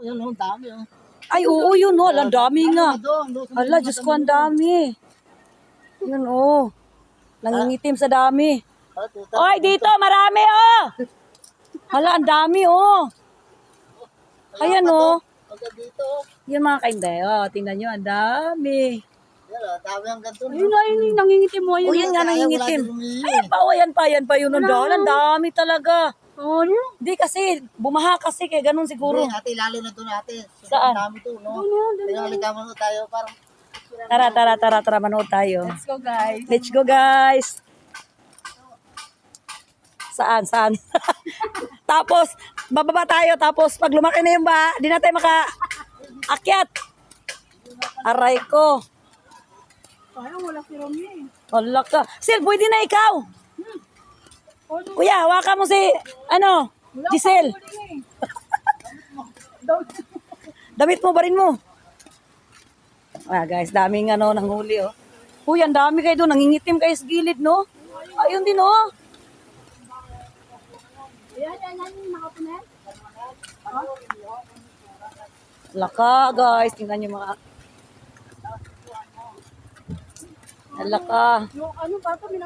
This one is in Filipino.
Yan, ang dami. Ay, oo, yun, oh. Ang dami nga. Hala, Diyos ko, ang dami. Yun, oh. Nangingitim sa dami. Oy, dito, marami, oh. Hala, ang dami, oh. Ayan, oh. Dito. Yan mga kainday, oh. Tingnan nyo, ang dami. Yan, dami ang ganito. Ayun nga, yun, nangingitim mo. Oh, yan nga, nangingitim. Ayan pa, oh, yan pa yun. Ang dami talaga. Oh, ano? Di kasi, bumaha kasi, kaya ganun siguro. Ate, lalo na ito natin. Saan? Ang dami ito, no? Pinakaligaman mo tayo, parang... Tara, manood tayo. Let's go, guys. Let's go, guys. Saan? Tapos, bababa tayo. Tapos, pag lumaki na yung ba, di na tayo maka-akyat. Aray ko. Parang wala si Romy. Hala ka. Sil, pwede na ikaw. Kuya, hawakan mo si, Giselle. Damit mo, barin mo. Guys, daming nanghuli, oh. Uy, ang dami kayo doon. Nangingitim kayo sa gilid, no? Ayun din, oh. Yan, nakapunan. Laka, guys. Tingnan nyo mga... Laka. Yung ano, parang